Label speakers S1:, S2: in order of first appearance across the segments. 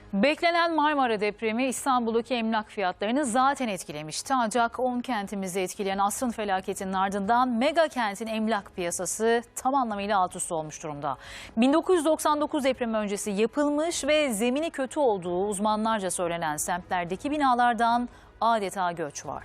S1: Beklenen Marmara depremi İstanbul'daki emlak fiyatlarını zaten etkilemişti. Ancak 10 kentimizi etkileyen asrın felaketinin ardından mega kentin emlak piyasası tam anlamıyla alt üst olmuş durumda. 1999 depremi öncesi yapılmış ve zemini kötü olduğu uzmanlarca söylenen semtlerdeki binalardan adeta göç var.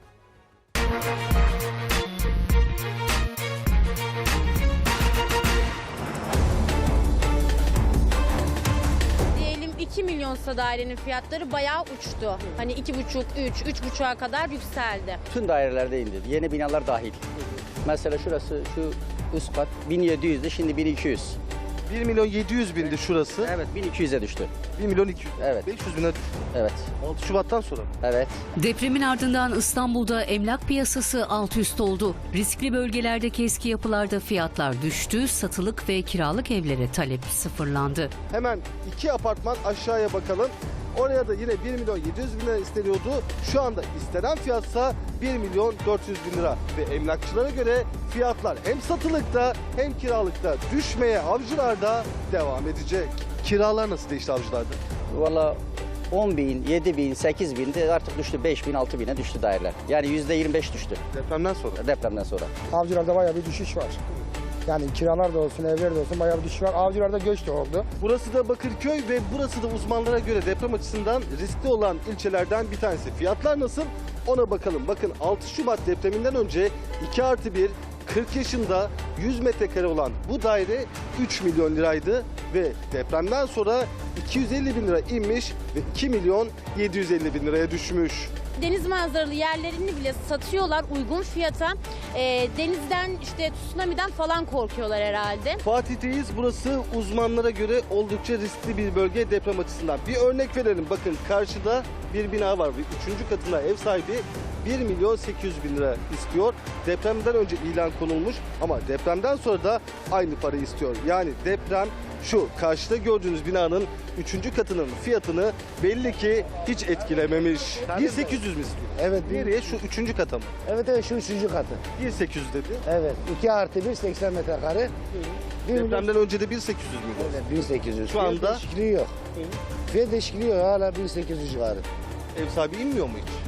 S2: Diyelim 2 milyonsa dairenin fiyatları bayağı uçtu. Hani 2,5, 3,5'a kadar yükseldi.
S3: Tüm dairelerde indi. Yeni binalar dahil. Mesela şurası şu üst kat 1700'dü, şimdi 1200.
S4: 1 milyon 700 bindi şurası.
S3: Evet, 1200'e düştü.
S4: 1 milyon 200.
S3: Evet.
S4: 500 bine düştü.
S3: Evet.
S4: 6 Şubat'tan sonra.
S3: Evet.
S5: Depremin ardından İstanbul'da emlak piyasası alt üst oldu. Riskli bölgelerdeki eski yapılarda fiyatlar düştü, satılık ve kiralık evlere talep sıfırlandı.
S4: Hemen 2 apartman aşağıya bakalım. Oraya da yine 1 milyon 700 bin lira isteniyordu. Şu anda istenen fiyatsa 1 milyon 400 bin lira. Ve emlakçılara göre fiyatlar hem satılıkta hem kiralıkta düşmeye Avcılar'da devam edecek. Kiralar nasıl değişti Avcılar'da?
S3: Valla 10 bin, 7 bin, 8 bin de artık düştü. 5 bin, 6 bine düştü daireler. Yani %25 düştü
S4: Depremden sonra.
S3: depremden sonra.
S6: Avcılar'da bayağı bir düşüş var. Yani kiralar da olsun, evler de olsun bayağı bir düşüş var. Avcılar'da göç de oldu.
S4: Burası da Bakırköy ve burası da uzmanlara göre deprem açısından riskli olan ilçelerden bir tanesi. Fiyatlar nasıl? Ona bakalım. Bakın 6 Şubat depreminden önce 2+1 40 yaşında 100 metrekare olan bu daire 3 milyon liraydı ve depremden sonra 250 bin lira inmiş ve 2 milyon 750 bin liraya düşmüş.
S2: Deniz manzaralı yerlerini bile satıyorlar uygun fiyata. Denizden işte tsunami'den falan korkuyorlar herhalde.
S4: Fatih'teyiz. Burası uzmanlara göre oldukça riskli bir bölge deprem açısından. Bir örnek verelim. Bakın karşıda bir bina var. 3. katında ev sahibi 1 milyon 800 bin lira istiyor. Depremden önce ilan konulmuş ama depremden sonra da aynı parayı istiyor. Yani deprem şu karşıda gördüğünüz binanın 3. katının fiyatını belli ki hiç etkilememiş. 1800 mi istiyor?
S6: Evet.
S4: Nereye? Şu 3. kata mı?
S6: Evet şu 3. katı.
S4: 1800 dedi.
S6: Evet. 2+1 80 metrekare.
S4: Depremden önce de 1800 mü?
S6: Evet 1800.
S4: Şu anda-
S6: Fiyat değişikliği yok. Fiyat değişikliği yok. Hala 1800 civarı.
S4: Ev sahibi inmiyor mu hiç?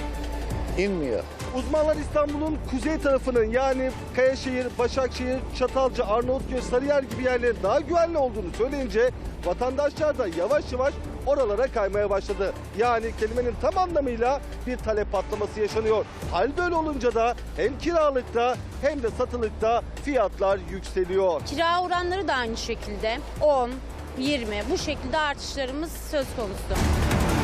S6: İnmiyor.
S4: Uzmanlar İstanbul'un kuzey tarafının yani Kayaşehir, Başakşehir, Çatalca, Arnavutköy, Sarıyer gibi yerlerin daha güvenli olduğunu söyleyince vatandaşlar da yavaş yavaş oralara kaymaya başladı. Yani kelimenin tam anlamıyla bir talep patlaması yaşanıyor. Hal böyle olunca da hem kiralıkta hem de satılıkta fiyatlar yükseliyor.
S2: Kira oranları da aynı şekilde 10, 20 bu şekilde artışlarımız söz konusu.